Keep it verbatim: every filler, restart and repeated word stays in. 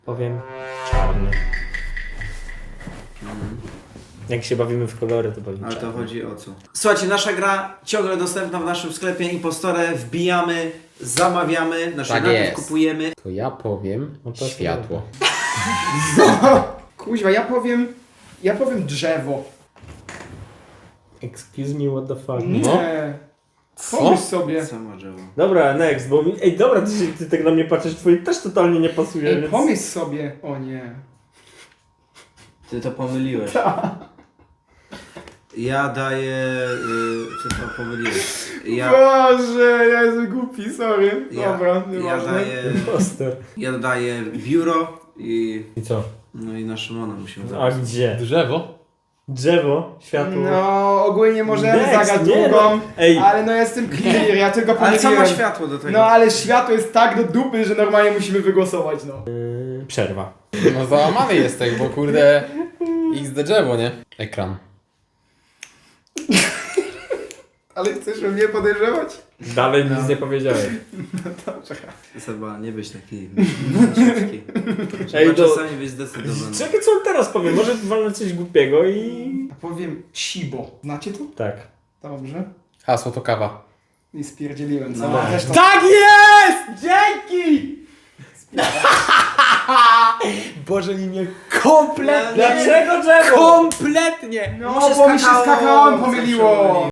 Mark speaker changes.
Speaker 1: Powiem czarny. Jak się bawimy w kolory, to powiem
Speaker 2: Ale to
Speaker 1: czarny.
Speaker 2: chodzi o co? Słuchajcie, nasza gra ciągle dostępna w naszym sklepie Impostore. Wbijamy, zamawiamy, nasze
Speaker 3: Tak
Speaker 2: najpierw
Speaker 3: jest.
Speaker 2: kupujemy.
Speaker 3: To ja powiem
Speaker 1: No to
Speaker 3: światło.
Speaker 4: Kuźwa, ja powiem... Ja powiem drzewo.
Speaker 1: Excuse me, what the fuck.
Speaker 4: Nie. Pomyśl sobie.
Speaker 2: Samo drzewo.
Speaker 1: Dobra, next, bo mi... Ej, dobra, ty, się, ty tak na mnie patrzysz, twoje też totalnie nie pasuje,
Speaker 4: Ej,
Speaker 1: więc...
Speaker 4: pomyśl sobie. O nie.
Speaker 2: Ty to pomyliłeś. Ja daję... Yy, ty to pomyliłeś. Ja,
Speaker 4: Boże, ja jestem głupi, sorry.
Speaker 2: ja,
Speaker 4: Dobra,
Speaker 2: ja
Speaker 4: nieważne.
Speaker 2: daję...
Speaker 1: Imposter.
Speaker 2: Ja daję biuro i...
Speaker 1: I co?
Speaker 2: No i na Szymona musimy
Speaker 1: A
Speaker 2: zabrać.
Speaker 1: gdzie?
Speaker 3: Drzewo?
Speaker 1: Drzewo, światło.
Speaker 4: No, ogólnie możemy
Speaker 1: Next,
Speaker 4: zagrać
Speaker 1: nie,
Speaker 4: drugą,
Speaker 1: no. Ej.
Speaker 4: ale no jestem clear, ja tylko
Speaker 2: Ale co ma
Speaker 4: pomyliłem.
Speaker 2: światło do tego?
Speaker 4: No ale światło jest tak do dupy, że normalnie musimy wygłosować, no.
Speaker 1: Yy, przerwa.
Speaker 3: No załamany jesteś, bo kurde... X D drzewo, nie? Ekran.
Speaker 4: Ale chcesz mnie podejrzewać?
Speaker 1: Dalej nic nie powiedziałeś.
Speaker 2: Seba, nie być taki...
Speaker 1: Ej,
Speaker 2: Trzeba
Speaker 1: to-
Speaker 2: czasami być zdecydowany.
Speaker 1: Czekaj, co on teraz powie? Może walnę coś głupiego i...
Speaker 4: Powiem Shibo. Znacie to?
Speaker 1: Tak.
Speaker 4: Dobrze.
Speaker 3: Hasło to kawa.
Speaker 4: I spierdzieliłem, co?
Speaker 2: No.
Speaker 4: Też to...
Speaker 1: Tak jest! Dzięki!
Speaker 3: Boże, mi mnie kompletnie...
Speaker 1: Dlaczego drzewo?
Speaker 3: Kompletnie!
Speaker 4: No,
Speaker 2: Mu się
Speaker 4: bo mi się z
Speaker 2: skakało,
Speaker 4: kakaoem
Speaker 2: zawsze
Speaker 4: pomyliło.